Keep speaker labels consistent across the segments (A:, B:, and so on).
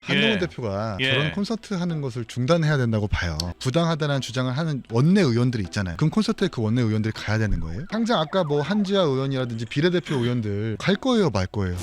A: 한동훈
B: 예.
A: 대표가
B: 예.
A: 저런 콘서트 하는 것을 중단해야 된다고 봐요. 부당하다는 주장을 하는 원내 의원들이 있잖아요. 그럼 콘서트에 그 원내 의원들이 가야 되는 거예요? 당장 아까 뭐 한지아 의원이라든지 비례대표 의원들 갈 거예요, 말 거예요?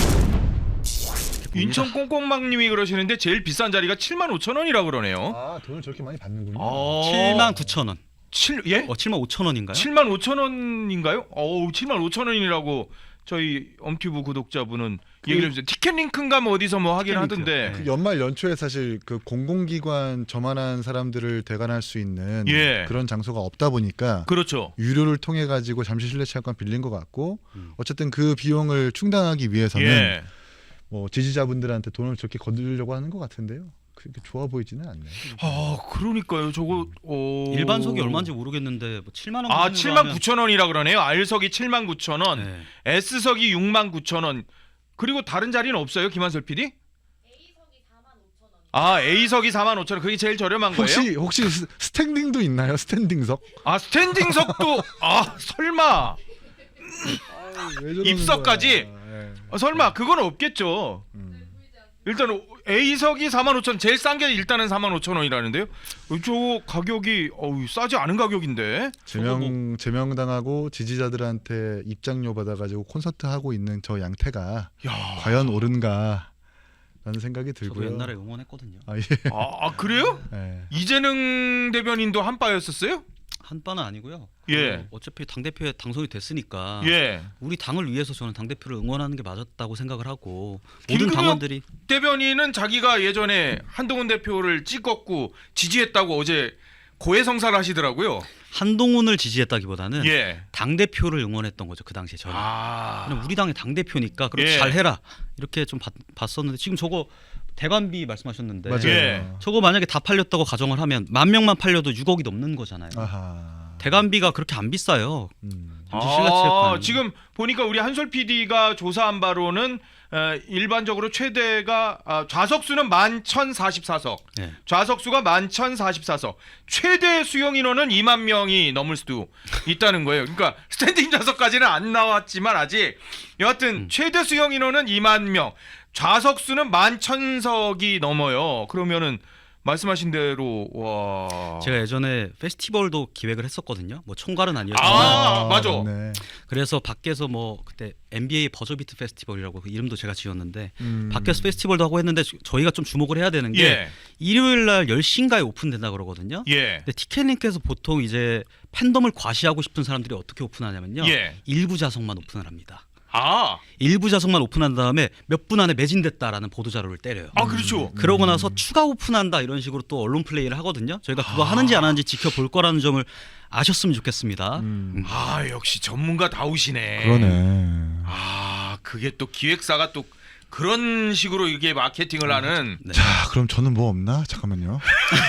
B: 인천 꽁꽁망님이 그러시는데 제일 비싼 자리가 75,000원이라고 그러네요.
A: 아, 돈을 저렇게 많이 받는군요.
C: 79,000원.
B: 75,000원인가요? 75,000원인가요? 어우, 75,000원이라고 저희 엄튜브 구독자분은 얘기를 해주세요. 티켓링크인가 뭐 어디서 뭐 하긴 하던데.
A: 그 연말 연초에 사실 그 공공기관 저만한 사람들을 대관할 수 있는
B: 예.
A: 그런 장소가 없다 보니까
B: 그렇죠.
A: 유료를 통해 가지고 잠시 실내 체육관 빌린 것 같고 어쨌든 그 비용을 충당하기 위해서는
B: 예.
A: 뭐 지지자분들한테 돈을 저렇게 거두려고 하는 것 같은데요. 그렇게 좋아 보이지는 않네요.
B: 아, 그러니까요. 저거
C: 일반석이 얼마인지 모르겠는데 뭐 7만 원.
B: 아, 79,000원이라 그러네요. R석이 79,000원,
C: 네.
B: S석이 69,000원. 그리고 다른 자리는 없어요, 김한솔 PD?
D: A석이 45,000원.
B: 아, A석이 45,000원. 그게 제일 저렴한 거예요?
A: 혹시 스탠딩도 있나요? 스탠딩석?
B: 아, 스탠딩석도 설마
A: 왜 저러는
B: 입석까지?
A: 거야? 예.
B: 설마 그건 없겠죠. 일단 A석이 45,000원, 제일 싼 게 일단은 45,000원이라는데요. 저 가격이 싸지 않은 가격인데.
A: 제명당하고 지지자들한테 입장료 받아가지고 콘서트 하고 있는 저 양태가
B: 야.
A: 과연 옳은가 라는 생각이
C: 저도
A: 들고요.
C: 옛날에 응원했거든요.
A: 아, 예.
B: 아, 그래요?
A: 예.
B: 이재능 대변인도 한바였었어요?
C: 한 바는 아니고요.
B: 예.
C: 어차피 당 대표에 당선이 됐으니까
B: 예.
C: 우리 당을 위해서 저는 당 대표를 응원하는 게 맞았다고 생각을 하고 모든
B: 김금혁
C: 당원들이
B: 대변인은 자기가 예전에 한동훈 대표를 찍었고 지지했다고 어제 고해성사를 하시더라고요.
C: 한동훈을 지지했다기보다는
B: 예.
C: 당 대표를 응원했던 거죠. 그 당시에 저는. 그냥 우리 당의 당 대표니까 그렇게
B: 예.
C: 잘해라 이렇게 좀 봤었는데 지금 저거 대관비 말씀하셨는데
A: 맞아요.
B: 예.
C: 저거 만약에 다 팔렸다고 가정을 하면 10,000명만 팔려도 6억이 넘는 거잖아요.
A: 아하.
C: 대관비가 그렇게 안 비싸요. 잠시 실내
B: 아,
C: 체육관.
B: 지금 보니까 우리 한솔 PD가 조사한 바로는 일반적으로 최대가 좌석수는 11,044석,
C: 네.
B: 좌석수가 11,044석, 최대 수용 인원은 2만 명이 넘을 수도 있다는 거예요. 그러니까 스탠딩 좌석까지는 안 나왔지만 아직 여하튼 최대 수용 인원은 2만 명, 좌석수는 11,000석이 넘어요. 그러면은 말씀하신 대로 와.
C: 제가 예전에 페스티벌도 기획을 했었거든요. 뭐 총괄은 아니었지만
B: 맞아.
A: 네.
C: 그래서 밖에서 뭐 그때 NBA 버저비트 페스티벌이라고 그 이름도 제가 지었는데 밖에서 페스티벌도 하고 했는데 저희가 좀 주목을 해야 되는 게
B: 예.
C: 일요일 날 10시인가에 오픈된다 그러거든요.
B: 예.
C: 근데 티켓링크에서 보통 이제 팬덤을 과시하고 싶은 사람들이 어떻게 오픈하냐면요.
B: 예.
C: 일부 좌석만 오픈을 합니다.
B: 아.
C: 일부 좌석만 오픈한 다음에 몇 분 안에 매진됐다라는 보도 자료를 때려요.
B: 아, 그렇죠.
C: 그러고 나서 추가 오픈한다 이런 식으로 또 언론 플레이를 하거든요. 저희가 그거 하는지 안 하는지 지켜볼 거라는 점을 아셨으면 좋겠습니다.
B: 아, 역시 전문가 다우시네.
A: 그러네.
B: 아, 그게 또 기획사가 또 그런 식으로 이게 마케팅을 하는.
C: 네.
A: 자, 그럼 저는 뭐 없나? 잠깐만요.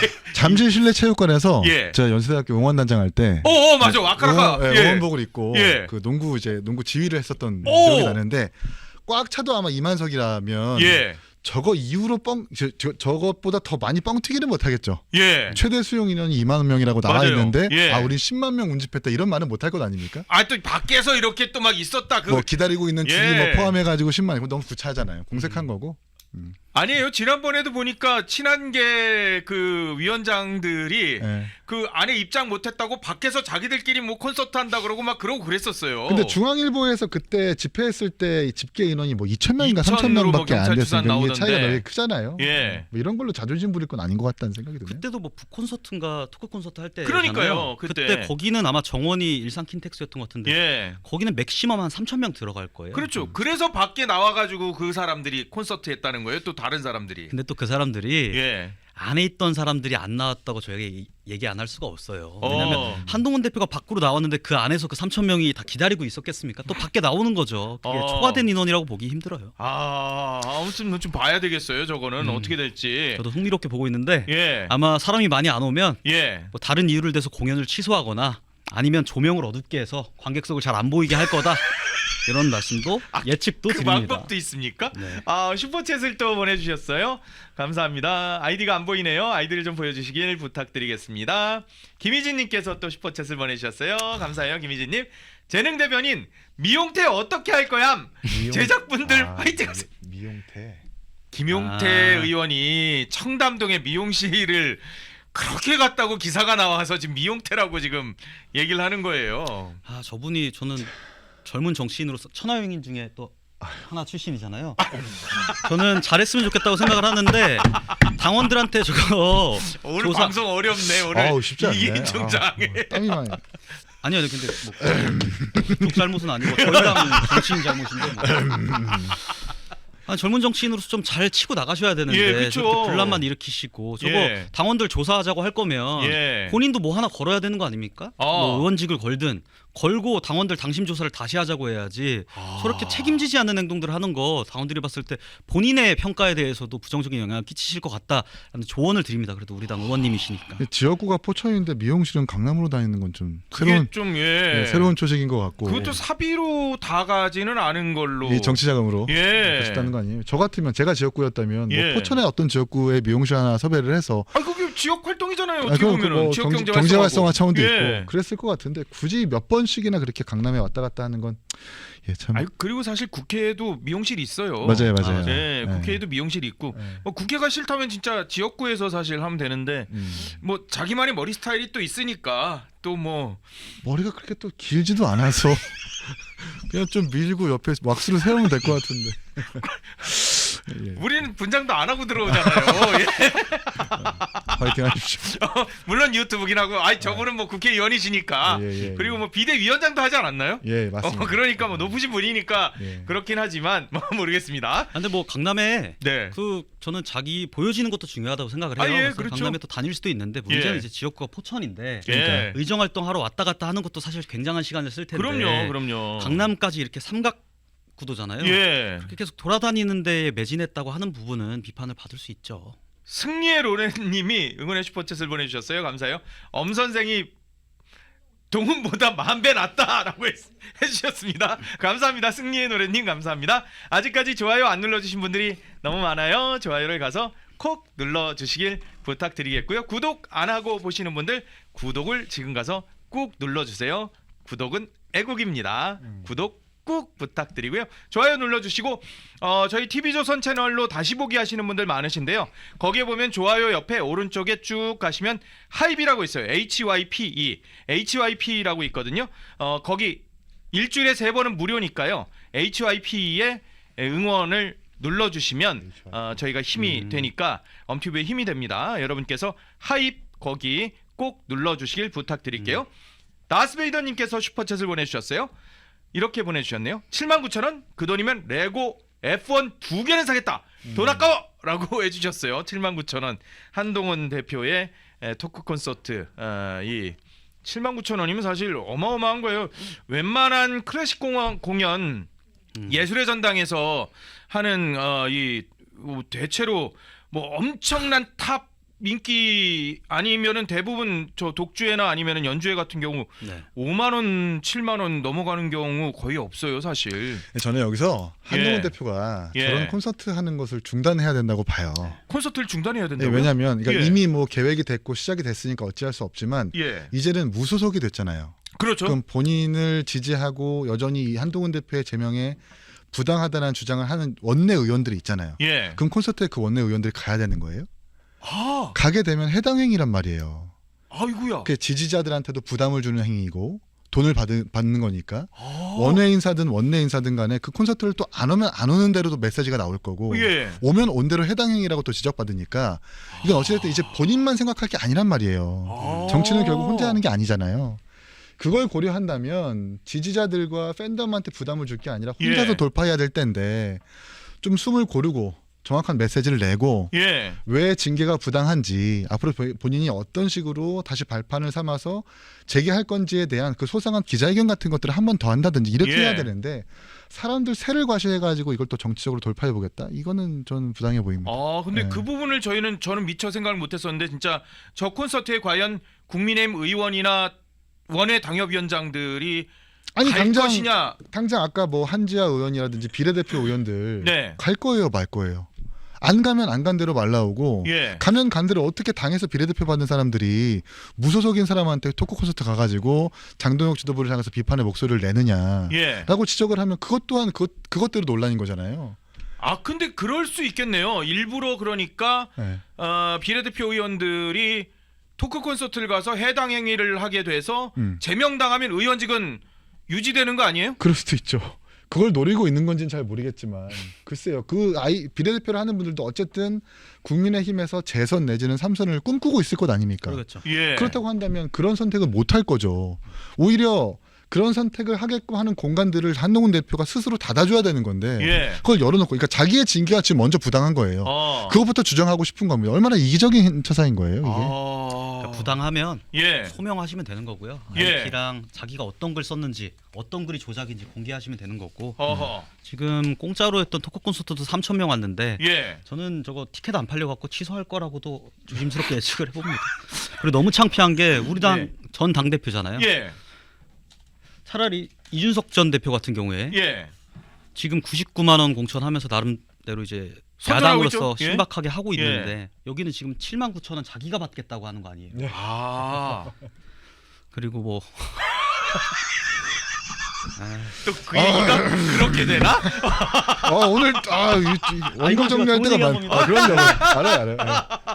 A: 잠실 실내체육관에서
B: 예.
A: 제가 연세대학교 응원단장 할 때
B: 맞아. 아까라가
A: 응원복을 입고
B: 예.
A: 그 농구 지휘를 했었던
B: 오!
A: 기억이 나는데 꽉 차도 아마 이만석이라면
B: 예.
A: 저거 이후로 저것보다 더 많이 뻥 튀기는 못하겠죠.
B: 예.
A: 최대 수용 인원이 2만 명이라고 나와
B: 맞아요.
A: 있는데
B: 예.
A: 우린 10만 명 운집했다 이런 말은 못할 것 아닙니까?
B: 아, 또 밖에서 이렇게 또 막 있었다.
A: 뭐 기다리고 있는 줄이
B: 예.
A: 뭐 포함해가지고 10만 이거 너무 구차하잖아요. 공색한 거고.
B: 아니에요. 지난번에도 보니까 친한계 그 위원장들이
A: 예.
B: 그 안에 입장 못했다고 밖에서 자기들끼리 뭐 콘서트 한다 그러고 막 그러고 그랬었어요.
A: 근데 중앙일보에서 그때 집회했을 때 집계 인원이 뭐 2,000명인가
B: 2,000 으로
A: 3,000명밖에 안
B: 경찰 추산
A: 됐으니까 이게
B: 나오던데.
A: 차이가 되게 크잖아요.
B: 예.
A: 뭐 이런 걸로 자존심 부릴 건 아닌 것 같다는 생각이 드네요.
C: 그때도 뭐 북콘서트인가 토크 콘서트 할 때.
B: 그러니까요, 그때.
C: 거기는 아마 정원이 일산 킨텍스였던 것 같은데.
B: 예.
C: 거기는 맥시멈 한 3,000명 들어갈 거예요.
B: 그렇죠. 그래서 밖에 나와가지고 그 사람들이 콘서트 했다는 거예요. 또 다른 사람들이.
C: 근데 또 그 사람들이
B: 예.
C: 안에 있던 사람들이 안 나왔다고 저에게 얘기 안 할 수가 없어요. 왜냐하면 한동훈 대표가 밖으로 나왔는데 그 안에서 그 3,000명이 다 기다리고 있었겠습니까? 또 밖에 나오는 거죠. 그게 초과된 인원이라고 보기 힘들어요.
B: 아무튼 좀 봐야 되겠어요. 저거는 어떻게 될지.
C: 저도 흥미롭게 보고 있는데
B: 예.
C: 아마 사람이 많이 안 오면
B: 예.
C: 뭐 다른 이유를 대서 공연을 취소하거나 아니면 조명을 어둡게 해서 관객석을 잘 안 보이게 할 거다. 이런 말씀도 예측도
B: 그
C: 드립니다.
B: 방법도 있습니까?
C: 네.
B: 슈퍼챗을 또 보내주셨어요. 감사합니다. 아이디가 안 보이네요. 아이디를 좀 보여주시길 부탁드리겠습니다. 김희진님께서 또 슈퍼챗을 보내주셨어요. 감사해요, 김희진님. 재능 대변인 미용태 어떻게 할 거야? 제작분들 화이팅하세요.
A: 미용태.
B: 김용태
C: 아.
B: 의원이 청담동에 미용실을 그렇게 갔다고 기사가 나와서 지금 미용태라고 지금 얘기를 하는 거예요.
C: 아 저분이 저는 젊은 정치인으로서 천하용인 중에 또 하나 출신이잖아요. 저는 잘했으면 좋겠다고 생각을 하는데 당원들한테 저거
B: 오늘
C: 조사
B: 방송 어렵네. 오늘
A: 아우, 쉽지 않네.
B: 이기인 총장에.
A: 땀이 많이.
C: 아니요 근데 뭐 그쪽 잘못은 아니고 저희 당 정치인 잘못인데 뭐. 아니, 젊은 정치인으로서 좀 잘 치고 나가셔야 되는데
B: 예, 그쵸.
C: 저렇게 분란만 일으키시고 저거
B: 예.
C: 당원들 조사하자고 할 거면
B: 예.
C: 본인도 뭐 하나 걸어야 되는 거 아닙니까? 뭐 의원직을 걸든 걸고 당원들 당심 조사를 다시 하자고 해야지 저렇게 책임지지 않는 행동들을 하는 거 당원들이 봤을 때 본인의 평가에 대해서도 부정적인 영향을 끼치실 것 같다라는 조언을 드립니다. 그래도 우리 당 의원님이시니까.
A: 지역구가 포천인데 미용실은 강남으로 다니는 건 좀
B: 그게
A: 새로운
B: 좀
A: 새로운 초식인 것 같고.
B: 그것도 사비로 다 가지는 않은 걸로.
A: 이 정치 자금으로
B: 예.
A: 하셨다는 거 아니에요? 저 같으면 제가 지역구였다면
B: 예.
A: 뭐 포천의 어떤 지역구에 미용실 하나 섭외를 해서
B: 아 그게 지역 활동이잖아요. 어떻게
A: 그럼
B: 보면은
A: 뭐
B: 지역 경제
A: 경제 활성화 차원도
B: 예.
A: 있고 그랬을 것 같은데 굳이 몇 번씩이나 그렇게 강남에 왔다 갔다 하는 건 참.
B: 아니 그리고 사실 국회에도 미용실이 있어요.
A: 맞아요.
B: 네, 국회에도 미용실이 있고
A: 네.
B: 뭐 국회가 싫다면 진짜 지역구에서 사실 하면 되는데 뭐 자기만의 머리 스타일이 또 있으니까 또 뭐
A: 머리가 그렇게 또 길지도 않아서 그냥 좀 밀고 옆에 왁스를 세우면 될 것 같은데. 예.
B: 우리는 분장도 안 하고 들어오잖아요. 예.
A: 파이팅 하십시오.
B: 물론 유튜브긴 하고, 아이 저분은 뭐 국회의원이시니까
A: 예.
B: 그리고 뭐 비대위원장도 하지 않았나요?
A: 예, 맞습니다.
B: 그러니까 뭐 높으신 분이니까
A: 예.
B: 그렇긴 하지만 뭐 모르겠습니다.
C: 아, 근데 뭐 강남에
B: 네.
C: 그 저는 자기 보여지는 것도 중요하다고 생각을 해요.
B: 아, 예,
C: 그래서
B: 그렇죠.
C: 강남에 또 다닐 수도 있는데 문제는
B: 예.
C: 이제 지역구가 포천인데
B: 예.
C: 의정 활동하러 왔다 갔다 하는 것도 사실 굉장한 시간을 쓸 텐데.
B: 그럼요.
C: 강남까지 이렇게 삼각 구도잖아요.
B: 예.
C: 그렇게 계속 돌아다니는 데에 매진했다고 하는 부분은 비판을 받을 수 있죠.
B: 승리의 로렌님이 응원의 슈퍼챗을 보내주셨어요. 감사해요. 엄 선생이 동훈보다 10,000배 낫다라고 해주셨습니다. 감사합니다. 승리의 노래님 감사합니다. 아직까지 좋아요 안 눌러주신 분들이 너무 많아요. 좋아요를 가서 콕 눌러주시길 부탁드리겠고요. 구독 안 하고 보시는 분들 구독을 지금 가서 꾹 눌러주세요. 구독은 애국입니다. 구독 꾹 부탁드리고요. 좋아요 눌러주시고 저희 TV조선 채널로 다시 보기 하시는 분들 많으신데요. 거기에 보면 좋아요 옆에 오른쪽에 쭉 가시면 하이비라고 있어요. HYP라고 있거든요. 거기 일주일에 3번은 무료니까요. HYP에 응원을 눌러주시면 저희가 힘이 되니까 엄튜브에 힘이 됩니다. 여러분께서 하입 거기 꼭 눌러주시길 부탁드릴게요. 다스베이더님께서 슈퍼챗을 보내주셨어요. 이렇게 보내주셨네요. 79,000원 그 돈이면 레고 F1 2개는 사겠다. 돈 아까워! 라고 해주셨어요. 79,000원 한동훈 대표의 토크 콘서트. 이 79,000원이면 사실 어마어마한 거예요. 웬만한 클래식 공연 예술의 전당에서 하는 이 대체로 뭐 엄청난 탑 인기 아니면은 대부분 저 독주회나 아니면은 연주회 같은 경우
C: 네.
B: 5만 원, 7만 원 넘어가는 경우 거의 없어요, 사실.
A: 저는 여기서 한동훈
B: 예.
A: 대표가
B: 예.
A: 저런 콘서트 하는 것을 중단해야 된다고 봐요.
B: 콘서트를 중단해야
A: 예,
B: 된다고요?
A: 왜냐하면 그러니까
B: 예.
A: 이미 뭐 계획이 됐고 시작이 됐으니까 어찌할 수 없지만
B: 예.
A: 이제는 무소속이 됐잖아요.
B: 그렇죠.
A: 그럼 본인을 지지하고 여전히 이 한동훈 대표의 제명에 부당하다는 주장을 하는 원내 의원들이 있잖아요.
B: 예.
A: 그럼 콘서트에 그 원내 의원들이 가야 되는 거예요?
B: 아,
A: 가게 되면 해당 행위란 말이에요.
B: 아이고야.
A: 그 지지자들한테도 부담을 주는 행위이고 돈을 받는 거니까
B: 아.
A: 원외 인사든 원내 인사든 간에 그 콘서트를 또 안 오면 안 오는 대로도 메시지가 나올 거고
B: 예.
A: 오면 온 대로 해당 행위라고 또 지적받으니까 이건 어찌됐든 이제 본인만 생각할 게 아니란 말이에요.
B: 아.
A: 정치는 결국 혼자 하는 게 아니잖아요. 그걸 고려한다면 지지자들과 팬덤한테 부담을 줄 게 아니라 혼자서
B: 예.
A: 돌파해야 될 텐데 좀 숨을 고르고 정확한 메시지를 내고
B: 예.
A: 왜 징계가 부당한지 앞으로 본인이 어떤 식으로 다시 발판을 삼아서 재개할 건지에 대한 그 소상한 기자회견 같은 것들을 한 번 더 한다든지 이렇게
B: 예.
A: 해야 되는데 사람들 세를 과시해가지고 이걸 또 정치적으로 돌파해보겠다? 이거는 저는 부당해 보입니다.
B: 아, 근데
A: 네.
B: 그 부분을 저는 미처 생각을 못했었는데 진짜 저 콘서트에 과연 국민의힘 의원이나 원외 당협위원장들이
A: 아니
B: 갈 것이냐?
A: 당장 아까 뭐 한지아 의원이라든지 비례대표 의원들
B: 네.
A: 갈 거예요, 말 거예요? 안 가면 안 간 대로 말 나오고
B: 예.
A: 가면 간 대로 어떻게 당에서 비례대표 받는 사람들이 무소속인 사람한테 토크 콘서트 가가지고 장동혁 지도부를 향해서 비판의 목소리를 내느냐
B: 예.
A: 라고 지적을 하면 그것 또한 그것대로 논란인 거잖아요.
B: 아 근데 그럴 수 있겠네요. 일부러 그러니까
A: 네.
B: 비례대표 의원들이 토크 콘서트를 가서 해당 행위를 하게 돼서 제명당하면 의원직은 유지되는 거 아니에요?
A: 그럴 수도 있죠. 그걸 노리고 있는 건지는 잘 모르겠지만 글쎄요. 비례대표를 하는 분들도 어쨌든 국민의힘에서 재선 내지는 3선을 꿈꾸고 있을 것 아닙니까?
C: 그렇죠.
B: 예.
A: 그렇다고 한다면 그런 선택을 못 할 거죠. 오히려 그런 선택을 하게끔 하는 공간들을 한동훈 대표가 스스로 닫아줘야 되는 건데
B: 예.
A: 그걸 열어놓고 그러니까 자기의 징계가 지금 먼저 부당한 거예요. 그것부터 주장하고 싶은 겁니다. 얼마나 이기적인 처사인 거예요 이게.
C: 그러니까 부당하면
B: 예.
C: 소명하시면 되는 거고요.
B: 예.
C: IP랑 자기가 어떤 글 썼는지 어떤 글이 조작인지 공개하시면 되는 거고.
B: 어허.
C: 지금 공짜로 했던 토크 콘서트도 3,000명 왔는데
B: 예.
C: 저는 저거 티켓 안 팔려 갖고 취소할 거라고도 조심스럽게 예측을 해봅니다. 그리고 너무 창피한 게 우리 당
B: 예.
C: 전 당 대표잖아요.
B: 예.
C: 차라리 이준석 전 대표 같은 경우에
B: 예.
C: 지금 99만 원 공천하면서 나름대로 이제
B: 선전하고
C: 야당으로서
B: 있죠? 예?
C: 신박하게 하고
B: 예.
C: 있는데 여기는 지금 7만 9천 원 자기가 받겠다고 하는 거 아니에요.
B: 아.
C: 그리고 뭐
B: 또 그 얘기가 그렇게 되나?
A: 오늘 원고 정리할
C: 좋은
A: 때가
C: 얘기 한
A: 많.
C: 겁니다.
A: 그럼요. 알아요. 예.